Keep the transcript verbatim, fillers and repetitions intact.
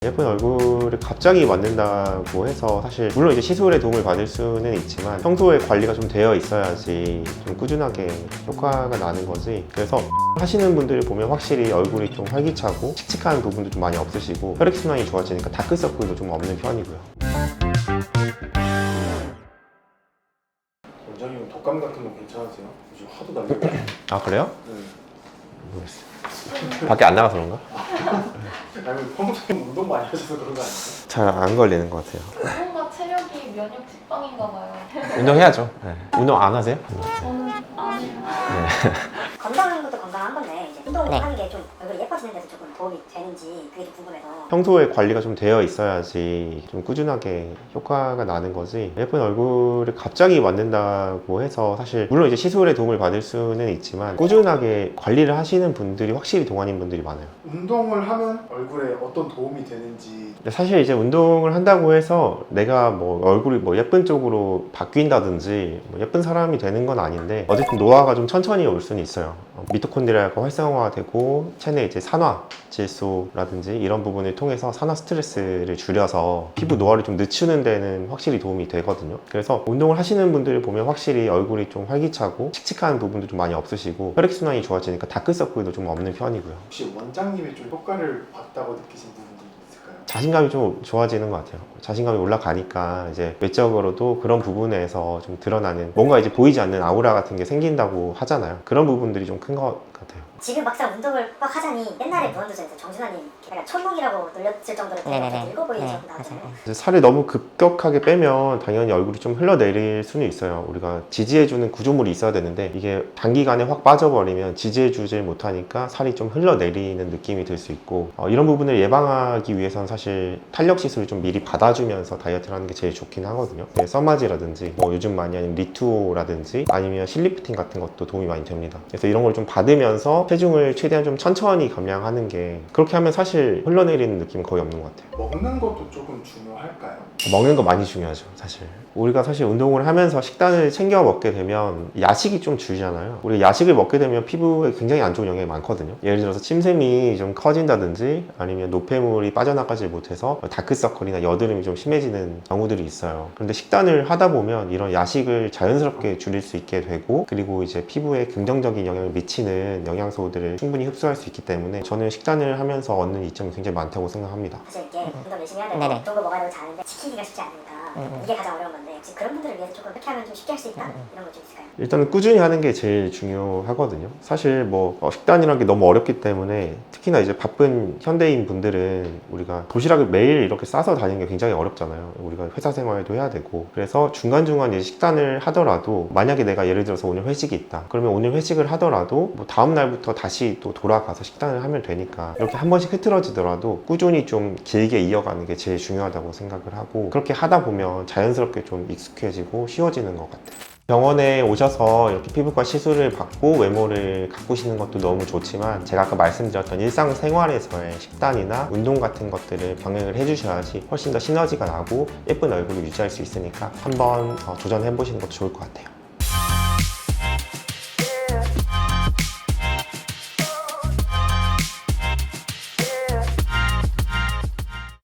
예쁜 얼굴을 갑자기 만든다고 해서 사실 물론 이제 시술에 도움을 받을 수는 있지만 평소에 관리가 좀 되어 있어야지 좀 꾸준하게 효과가 나는 거지. 그래서 하시는 분들을 보면 확실히 얼굴이 좀 활기차고 칙칙한 부분도 좀 많이 없으시고 혈액순환이 좋아지니까 다크서클도 좀 없는 편이고요. 원장님은 독감 같은 거 괜찮으세요? 요즘 하도 날리고. 아 그래요? 네. 모르겠어요. 밖에 안 나가서 그런가? 아니면 평소에 운동 많이 하셔서 그런 거 아니에요? 잘 안 걸리는 것 같아요. 운동과 체력이 면역 직방인가 봐요. 운동해야죠. 네. 운동 안 하세요? 저는 안 해요. 네. 건강한 것도 건강한 건데 이제 운동하는 게 좀 얼굴이 예뻐지는 데서 조금 도움이 되는지 그게 좀 궁금해서. 평소에 관리가 좀 되어 있어야지 좀 꾸준하게 효과가 나는 거지. 예쁜 얼굴을 갑자기 만든다고 해서 사실 물론 이제 시술에 도움을 받을 수는 있지만 꾸준하게 관리를 하시는 분들이 확실히 동안인 분들이 많아요. 운동을 하면 얼굴에 어떤 도움이 되는지. 근데 사실 이제 운동을 한다고 해서 내가 뭐 얼굴이 뭐 예쁜 쪽으로 바뀐다든지 뭐 예쁜 사람이 되는 건 아닌데 어쨌든 노화가 좀 천천히 올 수는 있어요. 미토콘드리아가 활성화되고 체내 이제 산화 질소라든지 이런 부분을 통해서 산화 스트레스를 줄여서 피부 노화를 좀 늦추는 데는 확실히 도움이 되거든요. 그래서 운동을 하시는 분들을 보면 확실히 얼굴이 좀 활기차고 칙칙한 부분도 좀 많이 없으시고 혈액순환이 좋아지니까 다크서클도 좀 없는 편이고요. 혹시 원장님이 좀 효과를 봤다고 느끼신 부분도 있을까요? 자신감이 좀 좋아지는 것 같아요. 자신감이 올라가니까 이제 외적으로도 그런 부분에서 좀 드러나는 뭔가 이제 보이지 않는 아우라 같은 게 생긴다고 하잖아요. 그런 부분들이 좀 큰 것 같아요. 지금 막상 운동을 막 하자니 옛날에 무한도전에서 정준하님 약간 천몽이라고 놀렸을 정도로 되게 늙어 보이셔서 나왔잖아요. 이제 살을 너무 급격하게 빼면 당연히 얼굴이 좀 흘러내릴 수는 있어요. 우리가 지지해주는 구조물이 있어야 되는데 이게 단기간에 확 빠져버리면 지지해주질 못하니까 살이 좀 흘러내리는 느낌이 들 수 있고 어, 이런 부분을 예방하기 위해서는 사실 탄력 시술을 좀 미리 받아주면서 다이어트를 하는 게 제일 좋긴 하거든요. 네, 써마지라든지 뭐 요즘 많이 하는 리투오라든지 아니면 실리프팅 같은 것도 도움이 많이 됩니다. 그래서 이런 걸 좀 받으면서 체중을 최대한 좀 천천히 감량하는 게 그렇게 하면 사실 흘러내리는 느낌은 거의 없는 것 같아요. 먹는 것도 조금 중요할까요? 먹는 거 많이 중요하죠, 사실. 우리가 사실 운동을 하면서 식단을 챙겨 먹게 되면 야식이 좀 줄잖아요. 우리가 야식을 먹게 되면 피부에 굉장히 안 좋은 영향이 많거든요. 예를 들어서 침샘이 좀 커진다든지 아니면 노폐물이 빠져나가지 못해서 다크서클이나 여드름이 좀 심해지는 경우들이 있어요. 그런데 식단을 하다 보면 이런 야식을 자연스럽게 줄일 수 있게 되고 그리고 이제 피부에 긍정적인 영향을 미치는 영양소들을 충분히 흡수할 수 있기 때문에 저는 식단을 하면서 얻는 이점이 굉장히 많다고 생각합니다. 사실 이게 운동 열심히 해야 되고 좋은 거 먹어야 되고 잘하는데 지키기가 쉽지 않으니까 이게 가장 어려운 건데 혹시 그런 분들을 위해서 조금 이렇게 하면 좀 쉽게 할 수 있다? 이런 거 좀 있을까요? 일단은 꾸준히 하는 게 제일 중요하거든요. 사실 뭐 어, 식단이라는 게 너무 어렵기 때문에 특히나 이제 바쁜 현대인 분들은 우리가 도시락을 매일 이렇게 싸서 다니는 게 굉장히 어렵잖아요. 우리가 회사 생활도 해야 되고 그래서 중간중간 이제 식단을 하더라도 만약에 내가 예를 들어서 오늘 회식이 있다 그러면 오늘 회식을 하더라도 뭐 다음 날부터 다시 또 돌아가서 식단을 하면 되니까 이렇게 한 번씩 흐트러지더라도 꾸준히 좀 길게 이어가는 게 제일 중요하다고 생각을 하고 그렇게 하다 보면 자연스럽게 좀 익숙해지고 쉬워지는 것 같아요. 병원에 오셔서 이렇게 피부과 시술을 받고 외모를 가꾸시는 것도 너무 좋지만 제가 아까 말씀드렸던 일상생활에서의 식단이나 운동 같은 것들을 병행을 해주셔야지 훨씬 더 시너지가 나고 예쁜 얼굴을 유지할 수 있으니까 한번 도전해 보시는 것도 좋을 것 같아요.